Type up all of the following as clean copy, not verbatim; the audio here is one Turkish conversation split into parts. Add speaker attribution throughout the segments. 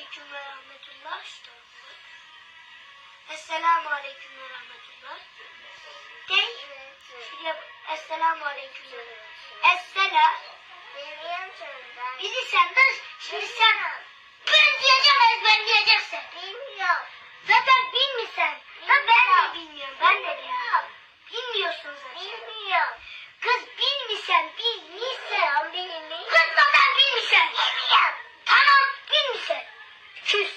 Speaker 1: aleyküm ve rahmetullah. Esselamu aleyküm ve rahmetullah. Değil. Şuraya esselamu aleyküm. Esselam. Bizi sen de şimdi sen ben diyeceğim ezberleyeceksin. Bilmiyorum. Zaten bilmiyorsun. Ben de bilmiyorum. Ben de bilmiyorum. Bilmiyorsun zaten. Bilmiyorum. Kız bilmiyorsun. Bilmiyorsun. Kız zaten bilmiyorsun. Bilmiyorum. Tamam bilmiyorsun. Küs.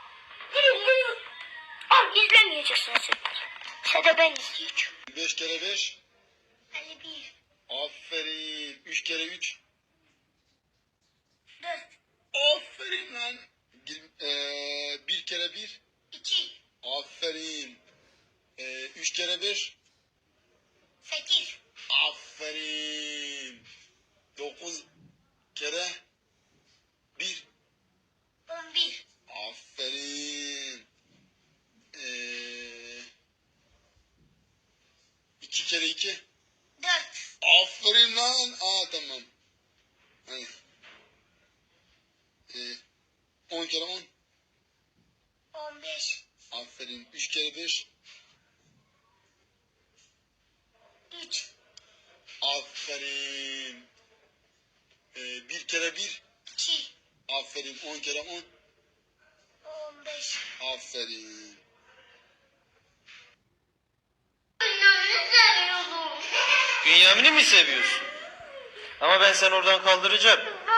Speaker 1: Al izlemeyeceksin sen. Sen de ben izleyeceğim.
Speaker 2: 5 kere 5.
Speaker 1: 51.
Speaker 2: Aferin. 3 kere 3.
Speaker 1: 4.
Speaker 2: Aferin lan. 1 kere 1.
Speaker 1: 2.
Speaker 2: Aferin. 3 kere 1.
Speaker 1: 8.
Speaker 2: Aferin. 9 kere 1.
Speaker 1: 11.
Speaker 2: Aferin. 2 kere 2.
Speaker 1: 4.
Speaker 2: Aferin lan. Tamam. Hadi. 10 kere 10.
Speaker 1: 15.
Speaker 2: Aferin. 3 kere 5.
Speaker 1: 3.
Speaker 2: Aferin. 1 kere 1.
Speaker 1: 2.
Speaker 2: Aferin. 10 kere 10.
Speaker 1: 15.
Speaker 2: Aferin.
Speaker 3: Bünyamin'i mi seviyorsun? Ama ben seni oradan kaldıracağım.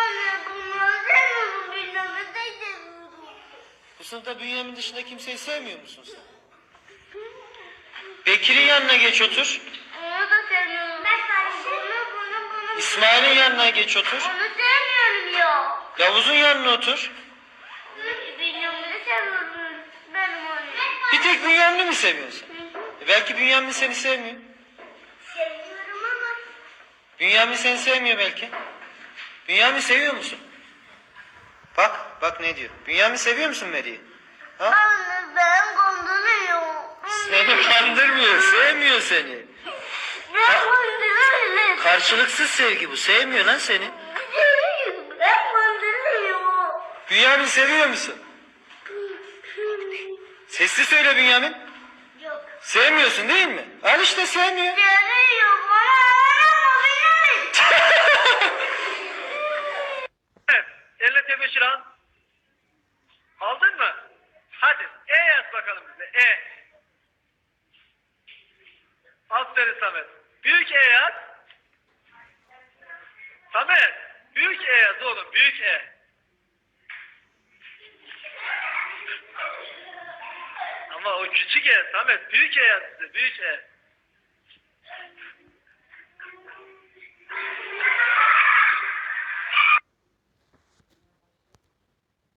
Speaker 3: Bu sınıfta Bünyamin dışında kimseyi sevmiyor musun sen? Bekir'in yanına geç otur.
Speaker 1: Onu da sevmiyorum. Ben bunu.
Speaker 3: İsmail'in yanına geç otur.
Speaker 1: Onu sevmiyorum ya.
Speaker 3: Yavuz'un yanına otur.
Speaker 1: Bünyamin'i seviyorum. Benim onu.
Speaker 3: Bir tek Bünyamin'i mi seviyorsun? Belki Bünyamin seni sevmiyor.
Speaker 1: Seviyorum ama.
Speaker 3: Bünyamin seni sevmiyor belki. Bünyamin seviyor musun? Bak ne diyor. Bünyamin seviyor musun Meri'yi? Ha?
Speaker 1: Anne ben kandırıyor.
Speaker 3: Seni kandırmıyor, sevmiyor seni.
Speaker 1: Ben kandırıyor.
Speaker 3: Karşılıksız sevgi bu, sevmiyor lan seni.
Speaker 1: Ben kandırıyor.
Speaker 3: Bünyamin seviyor musun? Sesli söyle Bünyamin.
Speaker 1: Yok.
Speaker 3: Sevmiyorsun değil mi? Al işte sevmiyor.
Speaker 1: Seviyor bana.
Speaker 4: Evet, elle tebeşir al. Aldın mı? Hadi, E yaz bakalım bize, E. Aferin Samet. Büyük E yaz. Samet, büyük E yaz oğlum, büyük E. Ama o küçük E, Samet, büyük E yaz bize, büyük E.